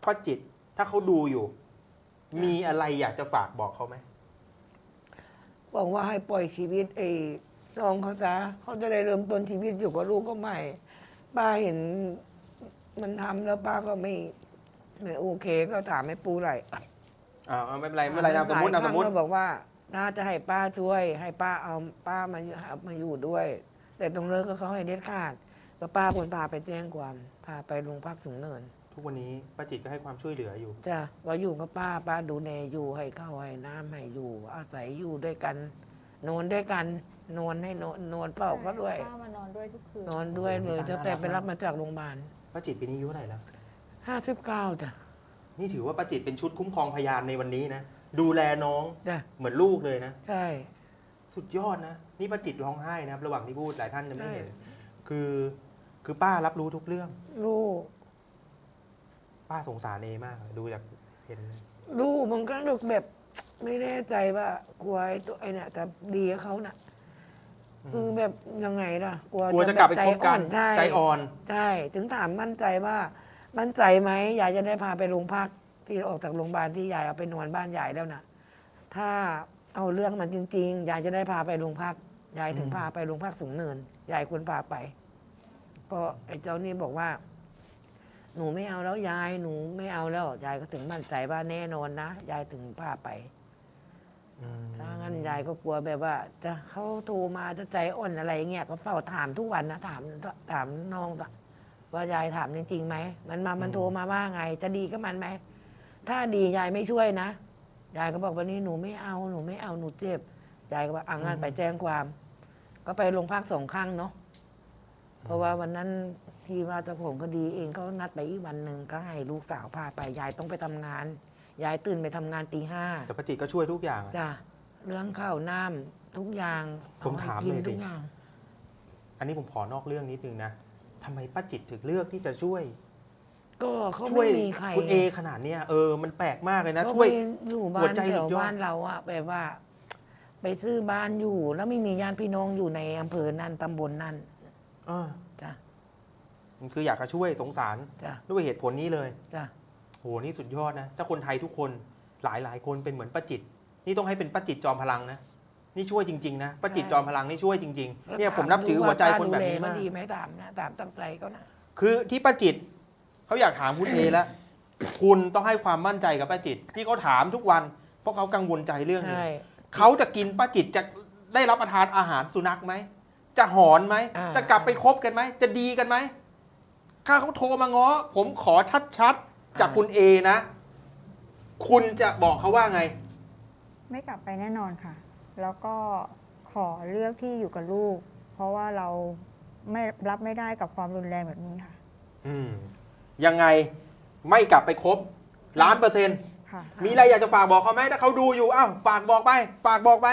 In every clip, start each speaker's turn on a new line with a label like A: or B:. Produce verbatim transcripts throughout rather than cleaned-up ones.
A: ป้าจิตถ้าเขาดูอยู่ มีอะไรอยากจะฝากบอกเขาไหม
B: บอกว่าให้ปล่อยชีวิตไอ้น้องเขาซะเขาจะได้เริ่มต้นชีวิตอยู่กับลูกก็ใหม่ป้าเห็นมันทำแล้วป้าก็ไม่ไม่โอเคก็ถามให้ปูไหล
A: อ่าไม่เป็นไรไม่เป็นไรนามสมมตินามสมมติ
B: บอกว่าน่าจะให้ป้าช่วย ให้ป้าเอาป้ามามาอยู่ด้วย แต่ตรงเลิกก็เขาให้เด็ดขาดก็ป้าคนพาไปแจ้งความพาไปโรงพักสูงเนิน
A: ทุกวันนี้ป้าจิตก็ให้ความช่วยเหลืออยู่
B: จ้ะว่าอยู่กับป้าป้าดูแลอยู่ให้ข้าวให้น้ำให้อยู่ อาศัยอยู่ด้วยกันนอนด้วยกันนอนให้นอนนอนเปล่าก็ด้วย
C: ป้ามานอนด้วยทุกคืน
B: นอนด้วยเลยตั้งแต่ไปรับมาจากโรงพยาบาล
A: ป้าจิตปีนี้อายุเท่าไหร่แล้ว
B: ห้าสิบเก้าจ้ะ
A: นี่ถือว่าป้าจิตเป็นชุดคุ้มครองพยานในวันนี้นะดูแลน้อง
B: จ้ะ
A: เหมือนลูกเลยนะ
B: ใช่
A: สุดยอดนะนี่ป้าจิตร้องไห้นะครับระหว่างที่พูดหลายท่านจะไม่เห็น
B: ใช่
A: คือคือป้ารับรู้ทุกเรื่อง
B: ลูก
A: ป้าสงสารเอมากเลยดูจากเห็น
B: ลูกมันก็นึกแบบไม่แน่ใจว่ากลัวไอ้ตัวไอ้เนี่ยแต่ดีกับเขาน่ะ คือแบบยังไงล่ะ กลัว
A: กลัวจะกลับไปคบกัน
B: ใช่
A: ใจอ่อน
B: ใช่ ถึงถามมั่นใจว่า มั่นใจไหมยายจะได้พาไปโรงพักที่ออกจากโรงพยาบาลที่ยายเอาไปนอนบ้านยายแล้วนะถ้าเอาเรื่องมันจริงๆยายจะได้พาไปโรงพักยายถึง
A: อืม
B: พาไปโรงพักสูงเนินยายควรพาไปก็ไอ้เจ้านี่บอกว่า หนูไม่เอาแล้วยายหนูไม่เอาแล้วยายก็ถึงมั่นใจว่าแน่นอนนะยายถึงพาไป
A: อืม
B: ถ้างั้นยายก็กลัวแบบว่า จะเขาโทรมาจะใจอ่อนอะไรเงี้ยก็เฝ้าถามทุกวันนะถามถามน้องว่ายายถามจริงๆไหมมันมามันโทรมาว่าไง จะดีกับมันไหมถ้าดียายไม่ช่วยนะยายก็บอกวันนี้หนูไม่เอาหนูไม่เอาหนูเจ็บยายก็บอกอ่ะงั้นไปแจ้งความ ก็ไปโรงพักสองครั้งเนาะเพราะว่าวันนั้นที่ว่าเจ้าของคดีเองเขานัดไปอีกวันหนึ่งก็ให้ลูกสาวพาไปยายต้องไปทำงานยายตื่นไปทำงานตีห้า
A: แต่ป้าจิตก็ช่วยทุกอย่างอะ
B: จ้ะเรื่องข้าวน้ำทุกอย่าง
A: ผมถาม
B: อให้กิน
A: เลยดิ
B: ทุกอย่าง
A: อันนี้ผมขอนอกเรื่องนิดนึงนะทำไมป้าจิตถึงเลือกที่จะช่วย
B: ก็เขา
A: ช่วย
B: ไม่มีใคร
A: คุณเอขนาดเนี้ยเออมันแปลกมากเลยนะ
B: ก็
A: ช่วย
B: ไปอยู่บ้า
A: หัวน ใจ
B: แถ
A: สุ
B: ว
A: ดยอด
B: บ้านเราอะแบบว่า ไปซื้อบ้านอยู่ แล้วไม่มีญาติพี่น้องอยู่ในอำเภอนั้นตำบลนั้น
A: เออ
B: จ้ะ
A: มันคืออยากจะช่วยสงสาร
B: จ้ะ
A: ด้วยเหตุผลนี้เลย
B: จ้ะ
A: โหนี่สุดยอดนะถ้าคนไทยทุกคนหลายหลายคนเป็นเหมือนป้าจิต นี่ต้องให้เป็นป้าจิตจอมพลังนะนี่ช่วยจริงๆนะป้าจิตจอมพลังนี่ช่วยจริงๆเนี่ยผมนับถือหัวใจคนแบบนี้มาก
B: ดีไหมถามนะถามตั้งใจเขานะ
A: คือที่ป้าจิตเขาอยากถามคุณเอแล้ว คุณต้องให้ความมั่นใจกับป้าจิต ที่เขาถามทุกวัน เพราะเขากังวลใจเรื่องนี้
B: ใช่
A: เขาจะกินป้าจิตจะได้รับประทานอาหารสุนัขไหมจะหอนไหม
B: อ่า
A: จะกลับไปคบกันไหมจะดีกันไหมถ้าเขาโทรมาง้อผมขอชัดๆจากคุณเอนะ คุณจะบอกเขาว่าไง
C: ไม่กลับไปแน่นอนค่ะ แล้วก็ขอเลือกที่อยู่กับลูก เพราะว่าเราไม่รับไม่ได้กับความรุนแรงแบบนี้ค่ะ
A: อืมยังไงไม่กลับไปคบล้านเปอร์เซ็นต์
C: ค่ะ
A: มีอะไรอยากจะฝากบอกเขาไหมถ้าเขาดูอยู่อ้าวฝากบอกไป ฝากบอกไป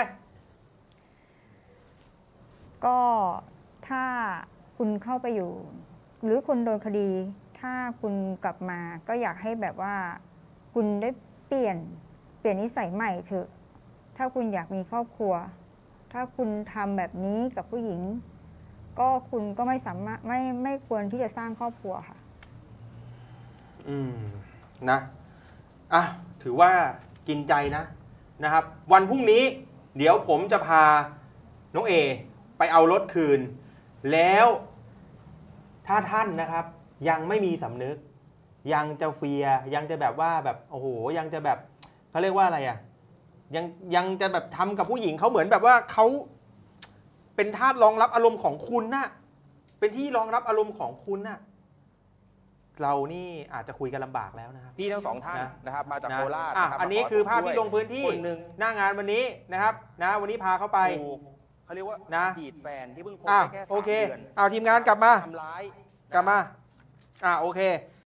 C: ก็ถ้าคุณเข้าไปอยู่ หรือคุณโดนคดี ถ้าคุณกลับมาก็อยากให้แบบว่า คุณได้เปลี่ยนเปลี่ยนนิสัยใหม่เถอะ ถ้าคุณอยากมีครอบครัว ถ้าคุณทำแบบนี้กับผู้หญิง ก็คุณก็ไม่สามารถไม่ไม่ควรที่จะสร้างครอบครัวค่ะ
A: อืมนะอ่ะถือว่ากินใจนะนะครับ วันพรุ่งนี้ เดี๋ยวผมจะพาน้องเอไปเอารถคืน แล้วถ้าท่านนะครับ ยังไม่มีสำนึก ยังจะเฟียร์ยังจะแบบว่าแบบโอ้โหยังจะแบบเขาเรียกว่าอะไรอ่ะยังยังจะแบบทำกับผู้หญิงเขาเหมือนแบบว่าเขาเป็นทาสรองรับอารมณ์ของคุณน่ะเป็นที่รองรับอารมณ์ของคุณน่ะเรานี่อาจจะคุยกันลำบากแล้วนะครับ
D: พี่ทั้งสองท่าน
A: นะ
D: นะครับมาจาก
A: นะ
D: โคราช
A: อ่ะ
D: นะครับ
A: อันนี้
D: มข
A: คือภาพ
D: ช่วย
A: ที่ลงพื้นที่
D: คนหนึ่ง
A: หน้างานวันนี้นะครับนะวันนี้พาเขาไป
D: ถูกเขาเรียกว่า
A: นะ
D: อดีตแฟนที่เพิ่งคบ
A: อ่ะ
D: ได้แค่
A: โอ
D: สาม
A: เค
D: เดือน
A: เอาทีมงานกลับมา
D: ทำร้าย
A: กลับมาอ่าโอเค